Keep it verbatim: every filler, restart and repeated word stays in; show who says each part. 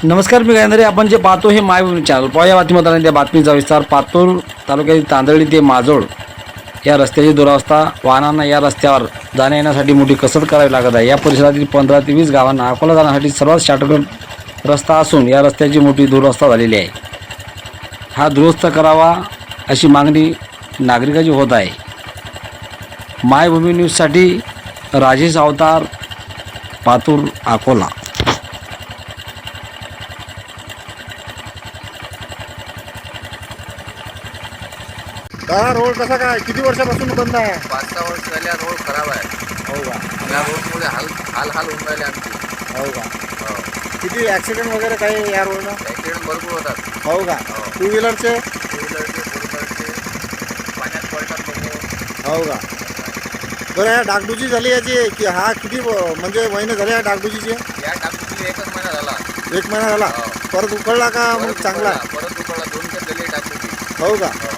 Speaker 1: नमस्कार मी गायंदरे. आपण जे पाहतो हे मायभूमी चॅनल. पाहूया या बातमीदारांनी त्या बातमीचा विस्तार. पातूर तालुक्यातील तांदळी ते माजोळ या रस्त्याची दुरावस्था. वाहनांना या रस्त्यावर जाण्या येण्यासाठी मोठी कसरत करावी लागत आहे. या परिसरातील पंधरा ते वीस गावांना अकोला जाण्यासाठी सर्वात शॉर्टकट रस्ता असून या रस्त्याची मोठी दुरावस्था झालेली आहे. हा दुरुस्त करावा अशी मागणी नागरिकांची होत आहे. मायभूमी न्यूजसाठी राजेश अवतार, पातूर, अकोला.
Speaker 2: हा रोड कसा काय किती वर्षापासून बंद आहे?
Speaker 3: पाच सहा वर्ष झाले हा रोड खराब आहे.
Speaker 2: हो का?
Speaker 3: या रोडमुळे हाल हाल हाल होऊन राहिले आमचे.
Speaker 2: हो का?
Speaker 3: हो.
Speaker 2: किती ॲक्सिडेंट वगैरे काही या रोडला?
Speaker 3: ॲक्सिडेंट भरपूर होतात.
Speaker 2: हो का?
Speaker 3: हो.
Speaker 2: टू व्हीलरचे?
Speaker 3: टू व्हीलरचे, फोर व्हीलरचे, पाण्यात पडतात लोक.
Speaker 2: हो का? बरं, ह्या डागडुजी झाली याची की हा किती व- म्हणजे महिने झाले या डागडुजीचे?
Speaker 3: या टाकून एकच महिना झाला.
Speaker 2: एक महिना झाला.
Speaker 3: हो.
Speaker 2: परत उकळला का मग
Speaker 3: परत
Speaker 2: चांगला?
Speaker 3: उकळला, परत उकळला दोन तर गेले टाकून.
Speaker 2: हो का?
Speaker 3: हो.